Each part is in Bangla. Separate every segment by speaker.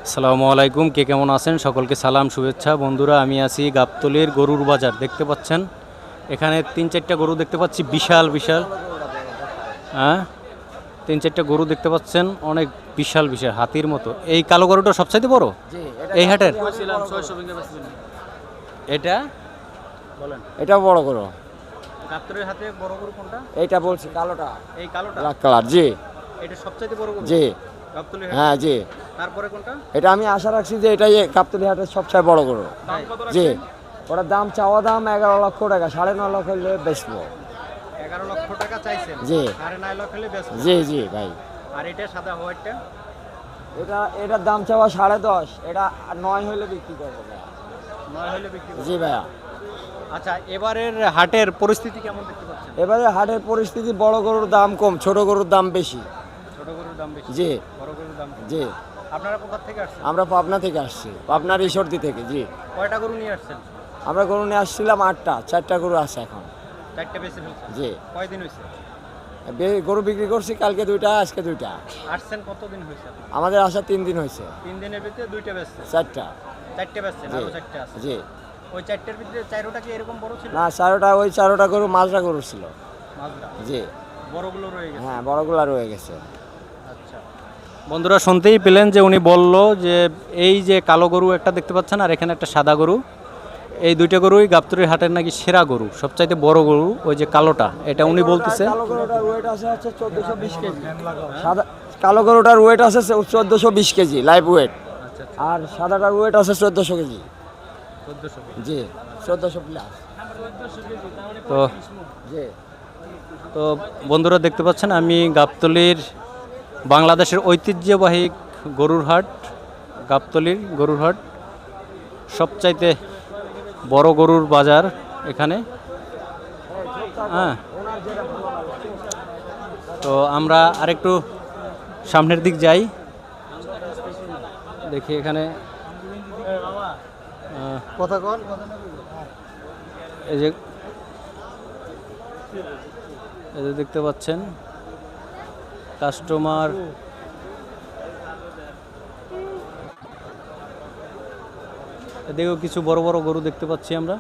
Speaker 1: আসসালামু আলাইকুম, কে কেমন আছেন? সকলকে সালাম শুভেচ্ছা। বন্ধুরা, আমি আছি গাবতলীর গরুর বাজার। দেখতে পাচ্ছেন এখানে ৩-৪টা গরু দেখতে পাচ্ছি, বিশাল বিশাল। হ্যাঁ, ৩-৪টা গরু দেখতে পাচ্ছেন, অনেক বিশাল বিশাল, হাতির মতো। এই কালো গরুটা সবচাইতে বড় এই হাটের? এটা বলেন,
Speaker 2: এটা বড় করো।
Speaker 1: গাবতলীর হাতে বড় গরু কোনটা?
Speaker 2: এইটা বলছি কালোটা,
Speaker 1: এই কালোটা,
Speaker 2: ব্ল্যাক কালার। জি
Speaker 1: এটা সবচাইতে বড় গরু
Speaker 2: জি
Speaker 1: গাবতলীর
Speaker 2: হ্যাঁ
Speaker 1: হাটে।
Speaker 2: জি।
Speaker 1: তারপরে কোনটা?
Speaker 2: এটা আমি আশা রাখছি যে এটাই গাবতলী হাটের সবচেয়ে বড় গরু।
Speaker 1: দাম কত
Speaker 2: জি,
Speaker 1: রাখছেন?
Speaker 2: ওটার দাম চাওয়া দাম 11 লক্ষ টাকা, 9.5 লক্ষ হলে বেচবো।
Speaker 1: 11 লক্ষ টাকা চাইছেন?
Speaker 2: জি।
Speaker 1: 9.5 লক্ষ হলে বেচবেন?
Speaker 2: জি জি ভাই।
Speaker 1: আর এটা সাদা হোয়াইটটা?
Speaker 2: এটার দাম চাওয়া 10.5, এটা 9 হলে বিক্রি করবো ভাই।
Speaker 1: 9 হলে বিক্রি করবেন?
Speaker 2: জি ভাইয়া।
Speaker 1: আচ্ছা, এবারের হাটের পরিস্থিতি কেমন দেখতে পাচ্ছেন?
Speaker 2: এবারে হাটের পরিস্থিতি, বড় গরুর দাম কম, ছোট গরুর দাম বেশি।
Speaker 1: ছোট গরুর দাম বেশি,
Speaker 2: জি
Speaker 1: বড় গরুর দাম কম।
Speaker 2: জি।
Speaker 1: আপনারা কোথা থেকে আসছেন?
Speaker 2: আমরা পাবনা থেকে আসছি, পাবনার ঈশ্বরদী থেকে। জি,
Speaker 1: কয়টা গরু নিয়ে আসছেন?
Speaker 2: আমরা গরু নিয়ে আসছিলাম 8টা, 4টা গরু আছে এখন।
Speaker 1: 4টে বেশি ফেলছেন?
Speaker 2: জি,
Speaker 1: কয়দিন হয়েছে
Speaker 2: গরু বিক্রি করছি, কালকে 2টা, আজকে 2টা।
Speaker 1: আসছেন? কতদিন হয়েছে?
Speaker 2: আমাদের আসা 3 দিন হয়েছে।
Speaker 1: 3 দিনের ভিতরে 2টে বেচছেন?
Speaker 2: 4টা।
Speaker 1: 4টে বেচছেন,
Speaker 2: জি
Speaker 1: আরো 4টে আছে?
Speaker 2: জি।
Speaker 1: ওই 4টের ভিতরে 4টা কি এরকম বড় ছিল?
Speaker 2: না, 4টা, ওই 4টা গরু মাজরা গরু ছিল।
Speaker 1: মাজরা?
Speaker 2: জি
Speaker 1: বড়গুলো রয়ে গেছে?
Speaker 2: হ্যাঁ, বড়গুলা রয়ে গেছে।
Speaker 1: আচ্ছা, বন্ধুরা শুনতেই পেলেন যে উনি বলল যে এই যে কালো গরু একটা দেখতে পাচ্ছেন আর এখানে একটা সাদা গরু, এই দুইটা গরুই গাবতলীর হাটের নাকি সেরা গরু, সবচাইতে বড় গরু ওই যে কালোটা, এটা উনি বলতেছে।
Speaker 2: কালো গরুটার ওয়েট আছে হচ্ছে 1420 কেজি। সাদা কালো গরুটার ওয়েট আছে 1420 কেজি লাইভ ওয়েট।
Speaker 1: আচ্ছা,
Speaker 2: আর সাদাটার ওয়েট আছে 1400 কেজি।
Speaker 1: 1400।
Speaker 2: জি, 1400 প্লাস।
Speaker 1: তো
Speaker 2: জি।
Speaker 1: তো বন্ধুরা দেখতে পাচ্ছেন, আমি গাবতলীর বাংলাদেশের ঐতিহ্যবাহী গরুর হাট, গাবতলীর গরুর হাট, সবচাইতে বড় গরুর বাজার এখানে। হ্যাঁ, তো আমরা আরেকটু সামনের দিক যাই, দেখি এখানে এই যে দেখতে পাচ্ছেন কাস্টমার। এদিকেও কিছু বড় বড় গরু দেখতে পাচ্ছি আমরা।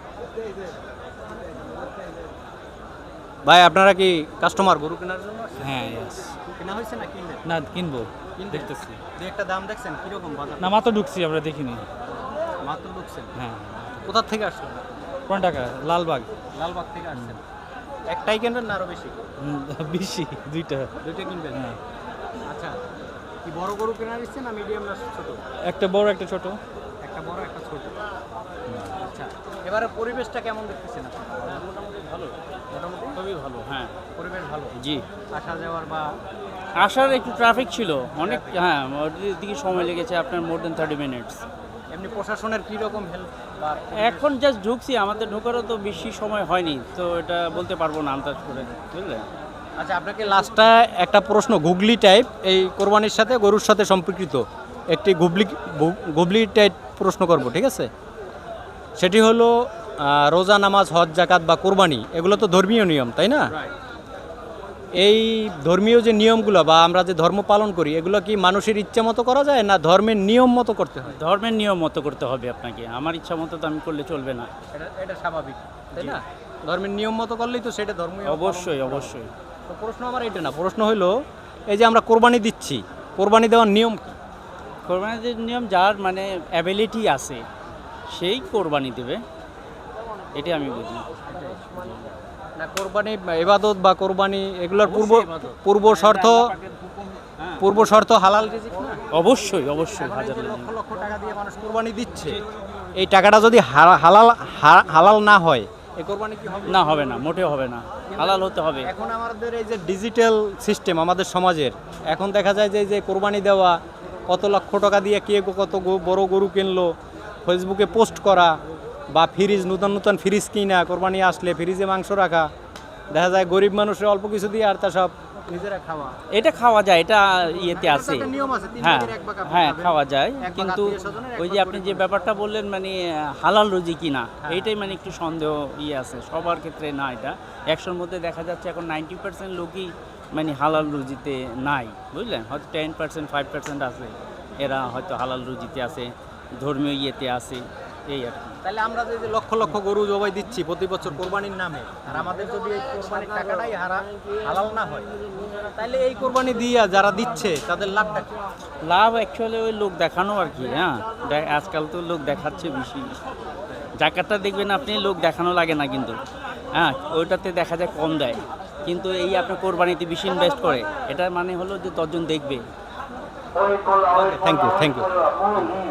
Speaker 1: ভাই, আপনারা কি কাস্টমার গরু কেনার জন্য?
Speaker 3: হ্যাঁ,
Speaker 1: কেনা হয়েছে না কিনবেন?
Speaker 3: না কিনবো,
Speaker 1: কিনবেন?
Speaker 3: দেখতেছি।
Speaker 1: দুই একটা দাম দেখছেন কিরকম বাজার?
Speaker 3: না মাত্র ঢুকছি, আমরা দেখিনি।
Speaker 1: মাত্র ঢুকছেন?
Speaker 3: হ্যাঁ।
Speaker 1: কোথা থেকে আসছেন?
Speaker 3: কোন টাকা? লালবাগ।
Speaker 1: লালবাগ থেকে আসছেন? একটাই কিনবেন না আরো বেশি?
Speaker 3: বেশি, দুইটা।
Speaker 1: দুইটা কিনবেন?
Speaker 3: হ্যাঁ,
Speaker 1: আচ্ছা, কি বড় গরু কেনার ইচ্ছে না মিডিয়াম না ছোট?
Speaker 3: একটা বড় একটা ছোট।
Speaker 1: একটা বড় একটা ছোট। আচ্ছা, এবারে পরিবেশটা কেমন দেখতেছেন আপনি? মোটামুটি ভালো। মোটামুটি
Speaker 3: খুবই ভালো। হ্যাঁ
Speaker 1: পরিবেশ ভালো?
Speaker 3: জি।
Speaker 1: আসা যাওয়ার বা
Speaker 3: আসার একটু ট্রাফিক ছিল অনেক। হ্যাঁ, ওর দিকে সময় লেগেছে আপনার মোর দেন 30 মিনিটস।
Speaker 1: এমনি প্রশাসনের কি রকম হেল্প বা
Speaker 3: এখন জাস্ট ঢুকছি, আমাদের ঢোকারও তো বেশি সময় হয়নি, তো এটা বলতে পারবো না আন্দাজ করে, বুঝলেন।
Speaker 1: আচ্ছা, আপনাকে লাস্টটা একটা প্রশ্ন, গুগলি টাইপ, এই কোরবানির সাথে গরুর সাথে সম্পর্কিত একটি গুগলি টাইপ প্রশ্ন করব, ঠিক আছে? সেটি হলো রোজা, নামাজ, হজ, জাকাত বা কোরবানি, এগুলো তো ধর্মীয় নিয়ম, তাই না? এই ধর্মীয় যে নিয়মগুলো বা আমরা যে ধর্ম পালন করি, এগুলো কি মানুষের ইচ্ছা মতো করা যায় না ধর্মের নিয়ম মতো করতে হয়?
Speaker 3: ধর্মের নিয়ম মতো করতে হবে আপনাকে, আমার ইচ্ছা মতো তো আমি করলে চলবে না।
Speaker 1: এটা স্বাভাবিক, তাই না? ধর্মের নিয়ম মতো করলেই তো সেটা ধর্মীয়।
Speaker 3: অবশ্যই অবশ্যই।
Speaker 1: তো প্রশ্ন আমার এটা না, প্রশ্ন হলো এই যে আমরা কোরবানি দিচ্ছি, কোরবানি দেওয়ার নিয়ম কি?
Speaker 3: কোরবানির নিয়ম যার মানে অ্যাবিলিটি আছে সেই কোরবানি দেবে, এটাই আমি বুঝি।
Speaker 1: না, কোরবানি ইবাদত বা কোরবানি এগুলোর পূর্ব শর্ত হালাল রিজিক না?
Speaker 3: অবশ্যই অবশ্যই।
Speaker 1: এখন এই
Speaker 3: হাজার
Speaker 1: যে লক্ষ লক্ষ টাকা দিয়ে মানুষ কোরবানি দিচ্ছে, এই টাকাটা যদি হালাল না হয়, এই কোরবানি কি হবে?
Speaker 3: না, হবে না, মোটেও হবে না, হালাল হতে হবে।
Speaker 1: এখন আমাদের এই যে ডিজিটাল সিস্টেম আমাদের সমাজের, এখন দেখা যায় যে এই যে কোরবানি দেওয়া, কত লক্ষ টাকা দিয়ে কে কত বড় গরু কিনলো, ফেসবুকে পোস্ট করা, বা ফ্রিজ, নতুন নতুন ফ্রিজ কিনা, কোরবানি আসলে ফ্রিজে মাংস রাখা, দেখা যায় গরিব মানুষের অল্প কিছু দিয়ে আর তা সব নিজেরা খাওয়া।
Speaker 3: এটা খাওয়া যায়, এটা ইয়েতে আছে।
Speaker 1: একটা নিয়ম আছে, 3
Speaker 3: হ্যাঁ
Speaker 1: ভাগের 1 ভাগ আপনি
Speaker 3: হ্যাঁ,
Speaker 1: খাবেন,
Speaker 3: খাওয়া যায়,
Speaker 1: 1 ভাগ
Speaker 3: কিন্তু
Speaker 1: আত্মীয়-স্বজনের, 1
Speaker 3: ওই যে
Speaker 1: ভাগ
Speaker 3: আপনি যে
Speaker 1: গরিব
Speaker 3: ব্যাপারটা বললেন মানে হালাল রুজি কিনা, এইটাই মানে একটু সন্দেহ আছে, সবার ক্ষেত্রে না। এটা 100-র মধ্যে দেখা যাচ্ছে এখন 90% লোকই মানে হালাল রুজিতে নাই, বুঝলেন। হয়তো 10% 5% আছে, এরা হয়তো হালাল রুজিতে আছে, ধর্মীয় ইয়েতে আছে, এই আর কি।
Speaker 1: তাহলে আমরা যে লক্ষ লক্ষ গরু জবাই দিচ্ছি প্রতি বছর কোরবানির নামে, আর আমাদের যদি এই কোরবানির টাকাটাই হালাল না হয়, তাহলে এই কোরবানি দিয়ে যারা দিচ্ছে তাদের লাভটা কি?
Speaker 3: লাভ অ্যাকচুয়ালি ওই লোক দেখানো আর কি। হ্যাঁ, আজকাল তো লোক দেখাচ্ছে বেশি। জাকাতটা দেখবেন আপনি, লোক দেখানো লাগে না কিন্তু, হ্যাঁ ওইটাতে দেখা যায় কম দেয়, কিন্তু এই আপনার কোরবানিতে বেশি ইনভেস্ট করে, এটার মানে হলো যে 10 জন দেখবে।
Speaker 1: Thank you.